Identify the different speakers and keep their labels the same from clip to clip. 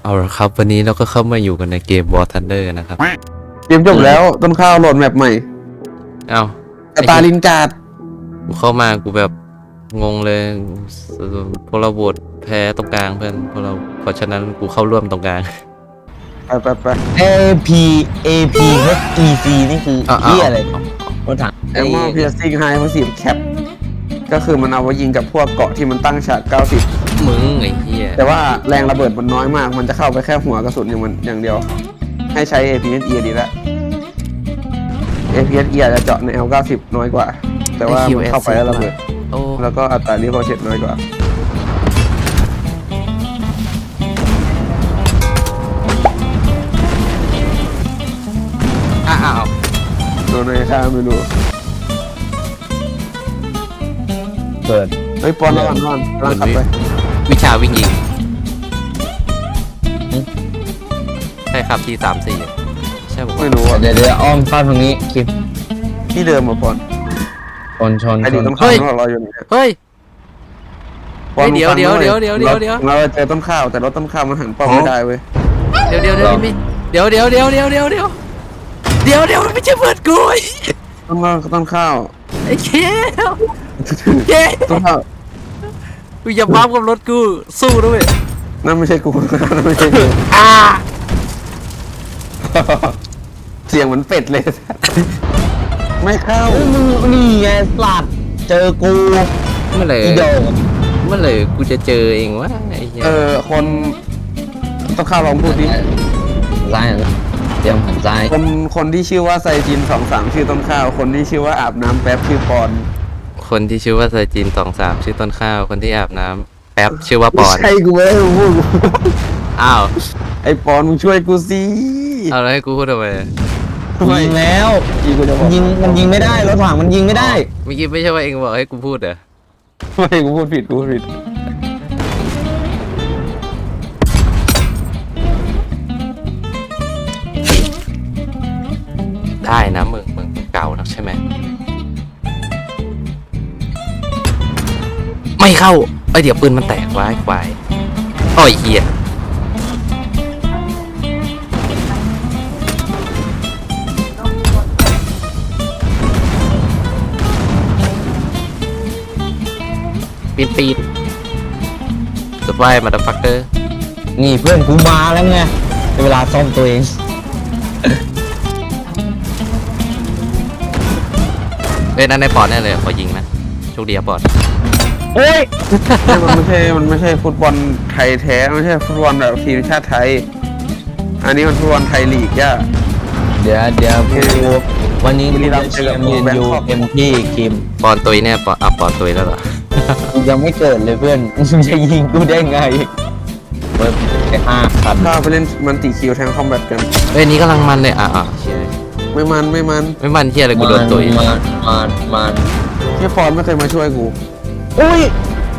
Speaker 1: เอาละครับวันนี้เราก็เข้ามาอยู่กันในเกม War Thunder นะครับ
Speaker 2: เกมจบแล้วต้นข้าวโหลดแมปใหม่
Speaker 1: เอา
Speaker 2: สตาลินการ์ด
Speaker 1: กูเข้ามากูแบบงงเลยพวกเราโหวตแพ้ตรงกลางเพื่อนเพราะฉะนั้นกูเข้าร่วมตรงกลาง
Speaker 2: ไป
Speaker 3: A P A P H E C นี่คือเหี้ยอะไรรถถัง
Speaker 2: แอมมอเพียร์ซิงไฮพาสซีฟแคปก็คือมันเอาไว้ยิงกับพวกเกาะที่มันตั้งฉาก90
Speaker 1: มึงไอ้เหี้ย
Speaker 2: แต่ว่าแรงระเบิดมันน้อยมากมันจะเข้าไปแค่หัวกระสุนอย่างเดียว ให้ใช้ APSE ดีละ APSE อาจจะเจาะใน L90 น้อยกว่า แต่ว่ามันเข้าไปแล้วระเบิด
Speaker 1: โอ้
Speaker 2: แล้วก็อัตรารีพอร์เชตน้อยกว่า
Speaker 1: อ้าว
Speaker 2: โดนในค่าไม่รู้
Speaker 3: เปิด
Speaker 2: เฮ้ยปอนระวังกำลังขับไป
Speaker 1: วิชาวิ่งยิงใช่ครับที่34ใช่ผม
Speaker 2: ไม่รู้อ่ะ
Speaker 3: เดี๋ยวอ้อมเข้าตรงนี้คลิป
Speaker 2: ที่เดิมอ่ะปอน
Speaker 3: ชน
Speaker 2: ไอ้ดิต้นข้าวของเราอยู่เนี่ย
Speaker 1: เฮ้ย
Speaker 2: ปอน
Speaker 1: เดี๋ยว
Speaker 2: เราเจอต้นข้าวแต่รถต้นข้าวมันหันป้อมไม่ได้เว้ย
Speaker 1: เดี๋ยวมันไม่เดี๋ยวมันไม่ใช่เพื่อนกูไอ้
Speaker 2: ต้นข้าว
Speaker 1: ไอ้เค
Speaker 2: ต้นข้าว
Speaker 1: กูอย่าบ้ากับรถกูสู้ด้วย
Speaker 2: นั่นไม่ใช่กู นั่นไม่ใช่กู เสียงเหมือนเป็ดเลย ไม่เข้า
Speaker 3: นี่ไงสลัดเจอกู
Speaker 1: เมื่อไหร่
Speaker 3: อีโด
Speaker 1: กูจะเจอเองวะไอ้เหี้ย
Speaker 2: คนต้องข้าวลองพูดดิ
Speaker 3: ซ้ายเตรียมหันซ้าย
Speaker 2: คนที่ชื่อว่าไซจิน23ชื่อต้นข้าว คนที่ชื่อว่าอาบน้ำแป๊บชื่อปอน
Speaker 1: คนที่ชื่อว่าไซจิน23ชื่อต้นข้าวคนที่อาบน้ำแป๊บชื่อว่าปอน
Speaker 2: ใช่กูไม่ได้พูด
Speaker 1: อ้าว
Speaker 2: ไอ้ปอนมึงช่วยกูสิ
Speaker 1: เอาแล้วให้กูพูดทำไม
Speaker 3: ยิงแล้ว
Speaker 2: กูจะบอก
Speaker 3: มันยิงไม่ได้รถถังมันยิงไม่ได้
Speaker 1: เมื่อกี้ไม่ใช่ว่าเองบอกให้กูพูดเหรอ
Speaker 2: ไม่กูพูดผิด
Speaker 1: ได้นะมึงเก่านักใช่ไหมไม่เข้าไอเดี๋ยวปืนมันแตกไว้ควายโอ้ยเหี้ยปีนสไปมาดับฟักเตอร์
Speaker 3: นี่เพื่อนกูมาแล้วไงเวลาซ่อมตัวเอง
Speaker 1: นั่นในปอดแน่เลยขอยิงนะโชคดีครับปอด
Speaker 3: โอ้ย
Speaker 2: มันไม่ใช่ฟุตบอลไทยแท้ไม่ใช่ฟุตบอลแบบทีมชาติไทย อันนี้มันฟุตบอลไทยลีกย่า
Speaker 3: เดี๋ยวกูวันนี้กูจะเชียร์เมนยูเต็มที่คิม
Speaker 1: ปอนตุยเนี่ยปอนตุยแล้วเหรอ
Speaker 3: กูยังไม่เกิดเลยเพื่อนมึงจะยิงกูได้ไงเปิดไป5,000
Speaker 2: ถ้าไปเล่นมันติคิวแทงคอมแบทกัน
Speaker 1: นี่กำลังมันเลยเชี่ย
Speaker 2: ไม่มัน
Speaker 1: ไม่มันเชี่ยอะไรกูโดนตุย
Speaker 3: มัน
Speaker 2: ที่ฟอนไม่เคยมาช่วยกู
Speaker 3: อุ้ย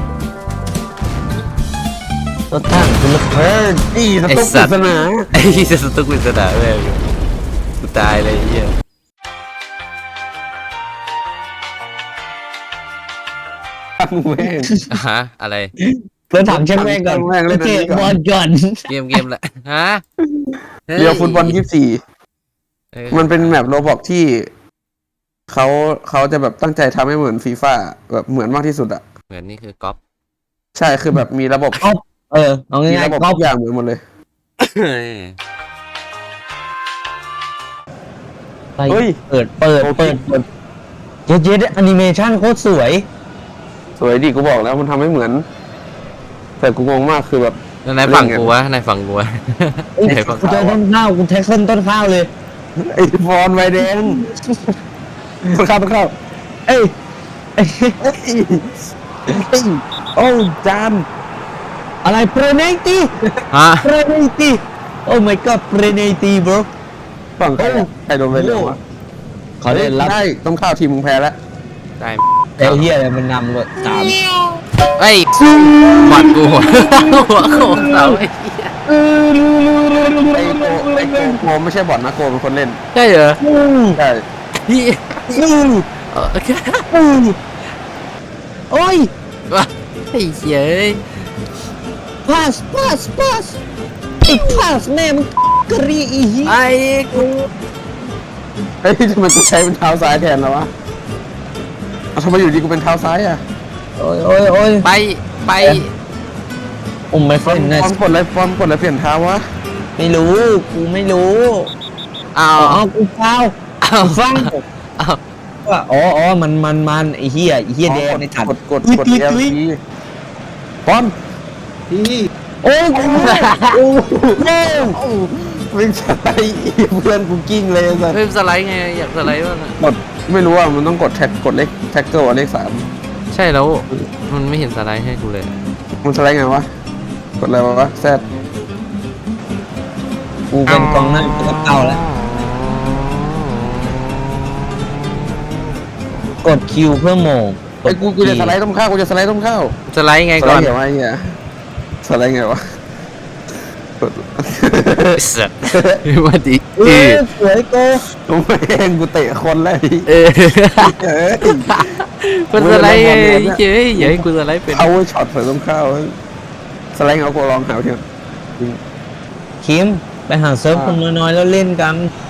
Speaker 3: รถถังคุณเพื่อน
Speaker 2: นี่สตุ๊กปริศนา
Speaker 1: ไอ้จะสตุกวิสดาเลยกูตายเลยไอ้เหี้ย
Speaker 2: มึงแม่ง
Speaker 1: ฮะอะไร
Speaker 3: รถถังเช่นแม่งก่อน
Speaker 2: แม่งเล่นอันนี้ก่อน
Speaker 3: บอลก่อน
Speaker 1: เกมละฮะ
Speaker 2: เรียวฟุตบอล24มันเป็นแมปโรบอกที่เขาจะแบบตั้งใจทำให้เหมือนฟีฟ่าแบบเหมือนมากที่สุดอะ
Speaker 1: เหมือนนี่คือก๊อป
Speaker 2: ใช่คือแบบมีระบบ
Speaker 3: เอา
Speaker 2: มี
Speaker 3: ง่าย
Speaker 2: ระบบ
Speaker 3: ๆก็
Speaker 2: ทุกอย่างเหมือนหมดเลย เฮ้ย
Speaker 3: เปิดเย็ดแอนิเมชันโคตรสวย
Speaker 2: สวยดีกูบอกแล้วมันทำให้เหมือน แต่กูงงมากคือแบบ
Speaker 1: นายฝั่งกูวะนายฝั่งกูวะ
Speaker 3: เอ้ย
Speaker 1: นายฝั่ง
Speaker 3: กูเจอต้นข้าวกูแท็กเส้นต้นข้าวเลย
Speaker 2: ไอ้ฟอนไวแดงต้องเข้า
Speaker 3: เอ้ย
Speaker 2: โอ้จาน
Speaker 3: อะไรเปรเนตี
Speaker 1: ฮะ
Speaker 3: เปรเนตีโอ้ my god เปรเนตี bro
Speaker 2: ฝั่งใครโดนไวแดงวะ
Speaker 3: เขาเล่นรับ
Speaker 2: ได้ต้องเข้าทีมมึงแพ้แล้ว
Speaker 1: ได้
Speaker 3: ไอ้เฮียอะไรมันนำเลย3
Speaker 1: เฮ้ยบอดกูหัวโขกเสาไอ้เหี้ย
Speaker 2: ไอ้โกไม่ใช่บอทนะโกเป็นคนเล่น
Speaker 1: ใช่เหรอ
Speaker 2: ใช่
Speaker 1: พี่โอเค
Speaker 3: โอ้ย
Speaker 1: ว้าไอ้เหี้ย
Speaker 3: pass ไอ้ข้าแม่มึงกรีอีเหี้ย
Speaker 1: ไอ้กู
Speaker 2: เฮ้ยทำไมกูใช้เป็นเท้าซ้ายแทนแล้ววะเอาทำไมอยู่ดีกูเป็นเท้าซ้ายอ่ะ
Speaker 3: โอ้ยโอ้ยโอ้ย
Speaker 1: ไป
Speaker 3: อุ้มไม่
Speaker 2: ฟ
Speaker 3: เฟ้
Speaker 2: อน
Speaker 3: นนะ
Speaker 2: กดอะไรฟอนกดอะไรเปลี่ยนเท้าวะ
Speaker 3: ไม่รู้กูไม่รู้
Speaker 1: เอา
Speaker 3: อ๋อกูเฝ้า
Speaker 1: เอา
Speaker 3: ฟัง
Speaker 1: เอา
Speaker 3: ว่าอ๋อมันไอ้เหี้ยแดงในถัด
Speaker 2: กด
Speaker 3: อุ๊ย
Speaker 2: L
Speaker 3: อุ๊ย
Speaker 2: ทีฟอน
Speaker 3: โอ้ยกูโอ้โห
Speaker 2: วิ่งสไลด์เพื่อนกูกิ้งเลยสัส
Speaker 1: เฮ้ยสไลด์ไงอยากสไลด์บ้างอะ
Speaker 2: กดไม่รู้อ่ะมันต้องกดเลขแท็กเกิลเลข3
Speaker 1: ใช่แล้วมันไม่เห็นสไลด์ให้กูเลย
Speaker 2: มันสไลด์ไงวะกดอะไรวะแซด
Speaker 3: กูเป็นกองหน้ากูก็เก่าแล้วกดคิวเพื่อโหมง
Speaker 2: ไอ้กูจะสไลด์ต้มข้าวกูจะสไลด์ต้มข้าว
Speaker 1: สไลด์ไง
Speaker 2: สไล
Speaker 1: ก่อน
Speaker 2: ด์ไงวะไอ้เหี้ยสไลด์ไงวะกด
Speaker 1: สัตว์มาดิ
Speaker 3: สวยโก
Speaker 2: กูไม่เองกูเตะคนเลย
Speaker 1: เออ
Speaker 2: เอ้ย
Speaker 1: มันสไลด์ไงเจ๊อย่าให้กูสไลด์เป็น
Speaker 2: เอาไว้ช็อตใส่ต้มข้าวสไลด์เอากูลองหาเถอะ
Speaker 3: คิมไปหาเซิร์ฟคนน้อยๆแล้วเล่นกัน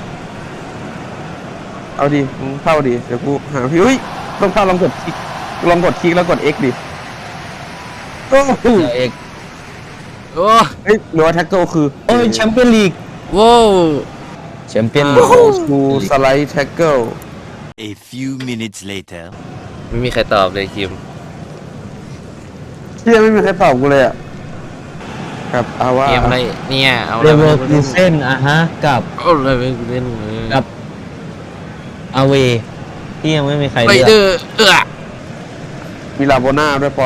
Speaker 2: เอาดิมึงเข้าดิเดี๋ยวกูหาพี่อุ้ยต้มข้าวลองกดคลิกแล้วกด X ดิโอ้โห
Speaker 3: เดี๋ยวเอก
Speaker 1: โอ้
Speaker 2: เฮ้ยหรือว่าแท็กเกิลคือ
Speaker 3: โอ้ยแชมเปี้ยนลีก
Speaker 1: โว้
Speaker 3: แชมเปี้ยนลีก
Speaker 2: กูสไลด์แท็กเกิล
Speaker 4: A few minutes later.
Speaker 1: ไม่มีใครตอบเลยคิม
Speaker 2: เชี่ยไม่มีใครตอบกูเลยอ่ะครับเอาว่า
Speaker 1: เกมอะไรเนี่ยเอา
Speaker 3: เร
Speaker 1: อะไร
Speaker 3: เวอ
Speaker 1: มา
Speaker 3: ร์คูเซ่นอะฮะกับ
Speaker 1: เอาอะไรไปเล่นเลย
Speaker 3: กับอาเวที่ยังไม่มีใคร
Speaker 1: ไป
Speaker 3: เลือก
Speaker 1: เด้อ
Speaker 2: มีลาโบน่าด้วยปอน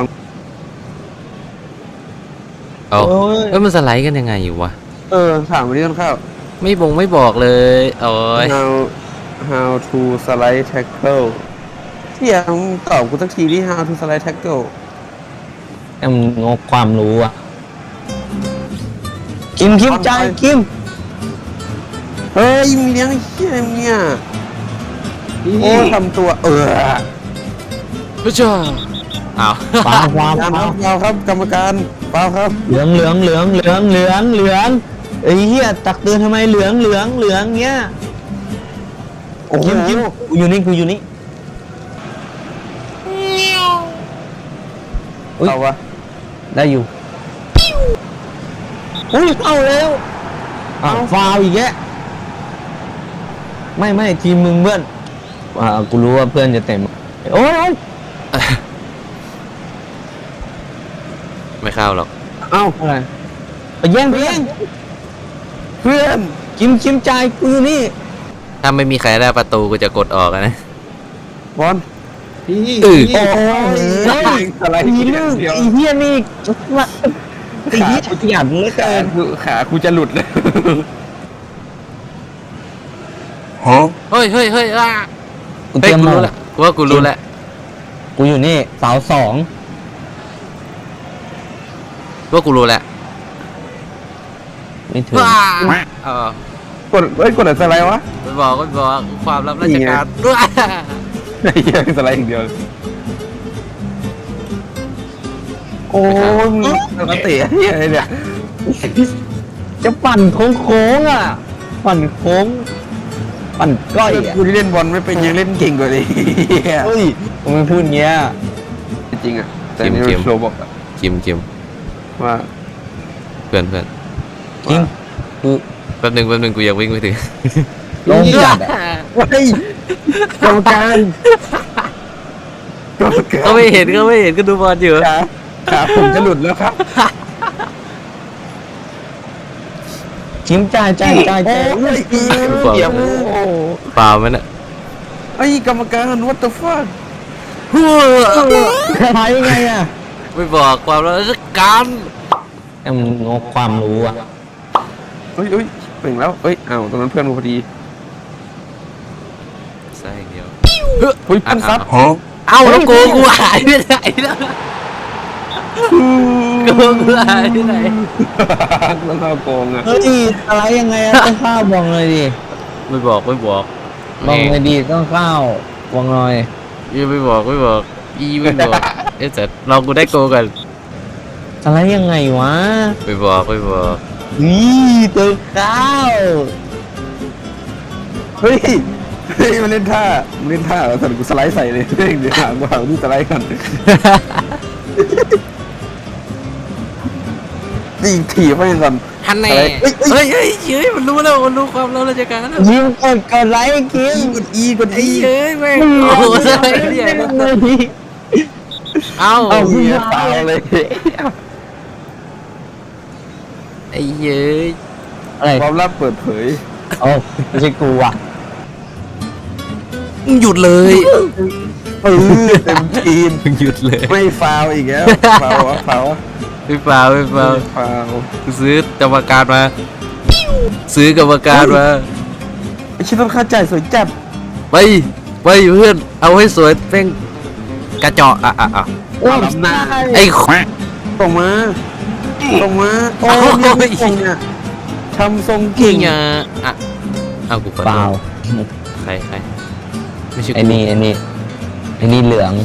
Speaker 1: เอา
Speaker 3: โอ้ย
Speaker 1: เอ้ยมันสไลด์กันยังไงอยู่วะ
Speaker 2: ถามวันนี้ต้นข้าว
Speaker 1: ไม่บอกเลยโอ้ย
Speaker 2: how to slide tackle เที่ยมึงตอบกูสักทีที่ how to slide tackle
Speaker 3: แต่มันงกความรู้อะคิมใจคิม
Speaker 2: เฮ้ยมีเลี้ยงไอ้เหี้ยเนี่ยโอ้ทำตัว
Speaker 1: พระเจ้าอ้าว
Speaker 3: ฟ้าฟ้า
Speaker 2: การ
Speaker 3: ฟ้า
Speaker 2: เปล่าครับกรรมการเปล่าครับ
Speaker 3: เหลืองไอ้เหี้ยตักเตือนทำไมเหลืองเงี้ย
Speaker 2: โอ้โห
Speaker 3: คิมกูอยู่นี่อุ๊ย
Speaker 2: เอาวะ
Speaker 3: ได้อยู่อุ้ยเข้าแล้วฟาวอีกแกไม่ทีมมึงเพื่อนกูรู้ว่าเพื่อนจะเต็มโอ้ย
Speaker 1: ไม่เข้าหรอก
Speaker 2: เอ้า
Speaker 3: อะไรไปแย่ง
Speaker 2: เพื่อน
Speaker 3: คิมใจายกูอยู่นี่
Speaker 1: ถ้าไม่มีใครได้ประตูกูจะกดออกอะนะ
Speaker 2: บอล
Speaker 1: อือ
Speaker 3: โอ้ย
Speaker 2: อะไร
Speaker 3: ไอ้ลูกไอ้เหี้ยนี่ไอ้เหี้ยขยันเหลือเกิน
Speaker 2: ขากูจะหลุดเลย
Speaker 1: เฮ้ยอ่ะ
Speaker 3: กู
Speaker 1: เฮ้
Speaker 3: เต
Speaker 1: ย
Speaker 3: รียม
Speaker 1: กู
Speaker 3: มา
Speaker 1: รู้แล้วกูว่ากูรู้แล้ว
Speaker 3: กูอยู่นี่เสาสอง
Speaker 1: ว่ากูรู้แล้ว
Speaker 3: ไม่ถึง
Speaker 1: ว้าเออก
Speaker 2: ดอะไรสไลด์วะ
Speaker 1: ไม่บอกความลับราชการว้า
Speaker 2: ไอ้เหี้ยสไลด์อย่างเดียวโอ้ยมึงเตะเหี้ยอะไรเนี่ย
Speaker 3: จะปั่นโค้งอ่ะปั่นโค้งปั่นก้อยอ่ะ
Speaker 2: กูที่เล่นบอลไม่เป็นยังเล่นเก่งกว่านี้
Speaker 3: เฮ้ยมึงไม่พูดเงี้ย
Speaker 2: จริงอ่ะแต่นี่มันโชว์บอกอะ
Speaker 1: คิม
Speaker 2: ว่า
Speaker 1: เพื่อน
Speaker 3: จริงคือ
Speaker 1: แป๊บหนึงกูอยากวิ่งไปถึง
Speaker 3: ลงจัดอ่ะ
Speaker 2: เฮ้ยกรรมการกรรมการ
Speaker 1: ก็ไม่เห็นก็ดูบอลอยู่
Speaker 2: ขาผมจะหลุดแล้วครับ
Speaker 3: ชิมจ่าย
Speaker 2: โอ้ย
Speaker 1: บอก
Speaker 2: เกี่ยวโอ้
Speaker 1: เปล่ามันอะ
Speaker 2: ไอ้กรรมการ what the fuck
Speaker 3: ทายยังไงอ่ะ
Speaker 1: ไม่บอกความลับราชการ
Speaker 3: แต่มึงงกความรู้อ่ะ
Speaker 2: เฮ้ยเป่งแล้วอ้าวตรงนั้นเพื่อนกูพอดี
Speaker 1: ใช่อย่างเดียว
Speaker 2: เฮ้ยเพื่อนซับ
Speaker 1: เอ้าแล้วกูหายไปไหนแล้วกูหายไปไหน
Speaker 2: แล้วเราโกงอ่ะ
Speaker 3: เฮ้ยอะไรยังไงอ่ะต้องข้าวบอกเลยดิ
Speaker 1: ไม่บอก
Speaker 3: บอกเลยดิต้องข้าวบอกหน่อย
Speaker 1: ไม่บอกไม่บอกเอ๊ะแต่ลองกูได้โกกัน
Speaker 3: อะไรยังไงวะ
Speaker 1: ไม่บอก
Speaker 3: นี่ตัวข้าว
Speaker 2: เฮ้ยมันเล่นท่าแล้วสันกูสไลด์ใส่เลยเดี๋ยวหางกูหางนี่สไลด์กันนี่ถีบไม่สัน
Speaker 1: ฮันแน่เฮ้ยมันรู้แล้วมันรู้ความเราราชการแล้ว
Speaker 3: ยิ้มกดไลค์กิน
Speaker 2: กด
Speaker 1: ไอ้
Speaker 2: อี
Speaker 1: เย้ยแม่งโอ้โหเนี่ยเอ้า
Speaker 2: เหี้ยเปล่าเลย
Speaker 1: ไอ้เย้ย
Speaker 3: อะไร
Speaker 2: ความลับเปิดเผย
Speaker 3: โอ้ไม่ใช่กูอ่ะ
Speaker 1: หยุดเลย
Speaker 2: เต็มทีม
Speaker 1: หยุดเลย
Speaker 2: ไม่ฟาวอีกแล้วฟาว
Speaker 1: ไม่เปล่า
Speaker 2: ฟาว
Speaker 1: ซื้อกรรมการมา
Speaker 2: ไอชิ้นต้นค่าจ่ายสวยจัด
Speaker 1: ไปเพื่อนเอาให้สวยเป้งกระเจาะอ่ะ
Speaker 3: โอ้ย
Speaker 1: ไอ้
Speaker 2: ส่งมาโอ้ยไม่ส่งเนี่ยทำทรง
Speaker 1: กิ่
Speaker 2: กิ่
Speaker 1: ง
Speaker 2: ง
Speaker 1: อ่ะเอากูขอ
Speaker 3: เป
Speaker 1: โท
Speaker 3: ล่า
Speaker 1: ษใครไม่ใช่
Speaker 3: ไอ้
Speaker 1: กู
Speaker 3: นี่เหลือง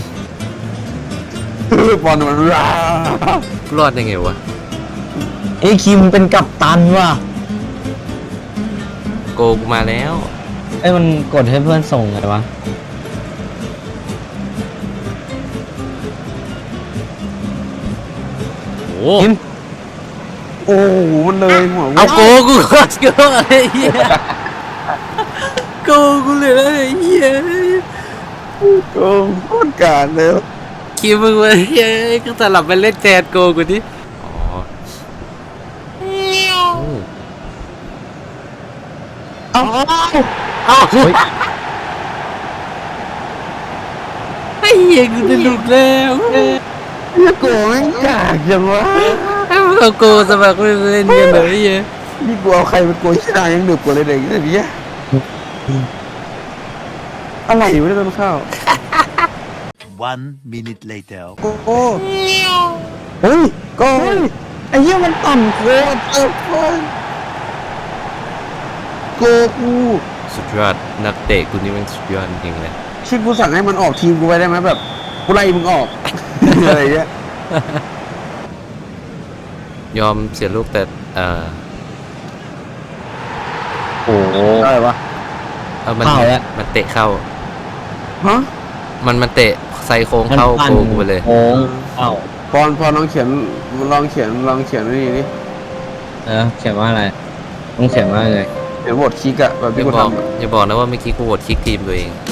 Speaker 2: บอลมันราร
Speaker 1: อดได้ไงวะ
Speaker 3: ไอ้คิมเป็นกัปตันว่ะ
Speaker 1: โกกูมาแล้ว
Speaker 3: ไอ้มันกดให้เพื่อนส่งไงวะ
Speaker 1: โอ้
Speaker 3: คิม
Speaker 2: โอ้โหมันเลยหัว
Speaker 1: เอาโกกูโคตรเกลือไอ้เหี้ยโกกูเลยไอ้เหี้ย
Speaker 2: โอ้โคตรกาดเลย
Speaker 1: คิดมึงวะเฮ้ยก็สลับไปเล่นแจนโกกูดิอ๋อเอ้าไอ้เหี้ยกูจะหลุดแล้ว
Speaker 2: นี่โกแม่งกากจังวะ
Speaker 1: เอาโกสมัครเล่นกันเลยไอ้เหี้ย
Speaker 2: นี่กูเอาใครเป็นโกชนะยังดึกกว่าเลยเด็กเนี่ยอะไรอยู่ในต้นข้าว
Speaker 4: 1 minute later.
Speaker 2: โอ้
Speaker 3: เฮ้ยโกไอ้เหี้ยมันต่ำโคตร
Speaker 2: โกกู
Speaker 1: สุดยอดนักเตะกูนี่มันสุดยอดจริงๆเลย
Speaker 2: ชิดกูสั่งให้มันออกทีมกูไปได้ไหมแบบกูไล่มึงออก อะไรเงี้ย
Speaker 1: ยอมเสียลูกแต่
Speaker 3: โอ้โห
Speaker 2: อะไรวะ
Speaker 1: มัน
Speaker 3: เข้าแล้ว
Speaker 1: มันเตะเข้า
Speaker 2: ฮะ
Speaker 1: มันเตะไซโค้งเข้าโกกูไปเลย
Speaker 3: โค้งเอ้า
Speaker 2: พอลองเขียนนี่นี่
Speaker 3: เขียนว่าอะไรต้องเขียนว่าไง
Speaker 2: เขียนบทคิกอะแบบ
Speaker 1: อ
Speaker 2: ที่
Speaker 1: ย่า
Speaker 2: กู
Speaker 1: บอก
Speaker 2: ทำอะ
Speaker 1: อย่าบอกนะว่าเมื่อกี้กูโหวตคลิกทีมตัวเอง